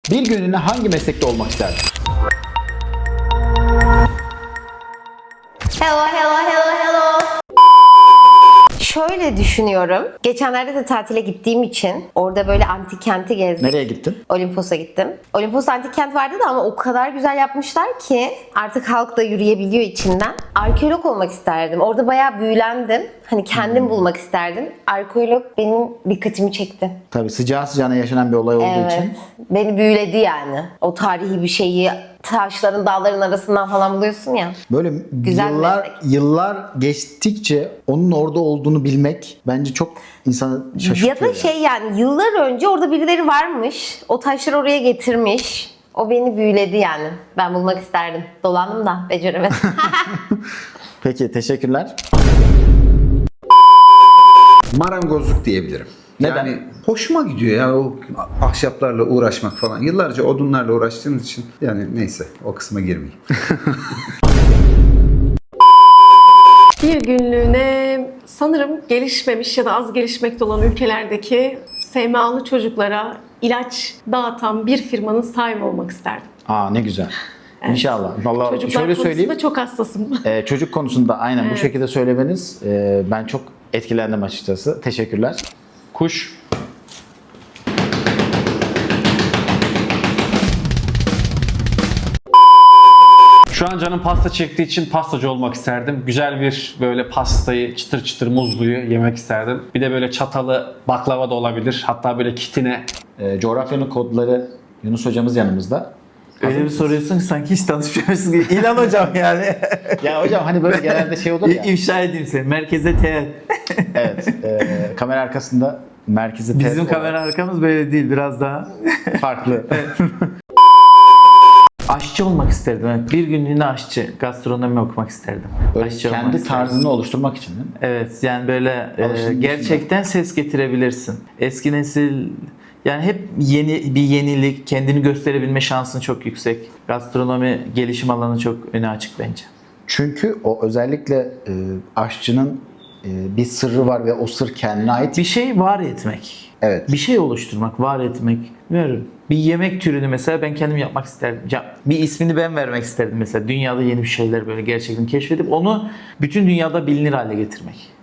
Bir günlüğüne hangi meslekte olmak isterdin? Hello, hello, hello, hello. Şöyle düşünüyorum. Geçenlerde de tatile gittiğim için orada böyle antik kenti gezdim. Nereye gittin? Olimpos'a gittim. Olimpos antik kent vardı da ama o kadar güzel yapmışlar ki artık halk da yürüyebiliyor içinden. Arkeolog olmak isterdim. Orada bayağı büyülendim. Hani kendim bulmak isterdim. Arkeolog benim dikkatimi çekti. Tabii sıcağı sıcağına yaşanan bir olay olduğu için. Beni büyüledi yani. O tarihi bir şeyi taşların, dağların arasından falan buluyorsun ya. Böyle Güzel yıllar geçtikçe onun orada olduğunu bilmek bence çok insanı şaşırtıyor. Ya da şey yani yıllar önce orada birileri varmış. O taşları oraya getirmiş. O beni büyüledi yani. Ben bulmak isterdim. Dolandım da beceremedim. Peki teşekkürler. Marangozluk diyebilirim. Neden? Yani hoşuma gidiyor ya o ahşaplarla uğraşmak falan. Yıllarca odunlarla uğraştığımız için yani neyse o kısma girmeyeyim. Bir günlüğüne sanırım gelişmemiş ya da az gelişmekte olan ülkelerdeki SMA'lı çocuklara ilaç dağıtan bir firmanın sahibi olmak isterdim. Aa ne güzel. İnşallah. Vallahi Çocuklar şöyle konusunda söyleyeyim. çok hassasım. Çocuk konusunda aynen bu şekilde söylemeniz ben çok etkilendim açıkçası. Teşekkürler. Kuş. Şu an canım pasta çektiği için pastacı olmak isterdim. Güzel bir böyle pastayı çıtır çıtır muzluyu yemek isterdim. Bir de böyle çatalı baklava da olabilir. Hatta böyle kitine. Coğrafyanın kodları Yunus hocamız yanımızda. Öyle bir soruyorsun ki sanki hiç tanışmıyorsun gibi. İlan hocam yani. Ya hocam hani böyle genelde şey olur ya. İfşa edeyim seni. Merkeze teğet. Evet. Kamera arkasında merkezi Bizim teğet kamera arkamız böyle değil. Biraz daha olarak farklı. aşçı olmak isterdim. Evet. Bir günlüğüne aşçı. Gastronomi okumak isterdim. Böyle Aşçı olmak kendi isterdim. tarzını oluşturmak için değil mi? Evet yani böyle Alışılmış gerçekten ses getirebilirsin. Eski nesil yani hep yeni bir yenilik, kendini gösterebilme şansın çok yüksek. Gastronomi gelişim alanı çok öne açık bence. Çünkü o özellikle aşçının bir sırrı var ve o sır kendine ait. Bir şey var etmek. Evet. Bir şey oluşturmak, var etmek. Bilmiyorum. Bir yemek türünü mesela ben kendim yapmak isterdim. Ya, bir ismini ben vermek isterdim mesela. Dünyada yeni bir şeyler böyle gerçekten keşfedip onu bütün dünyada bilinir hale getirmek.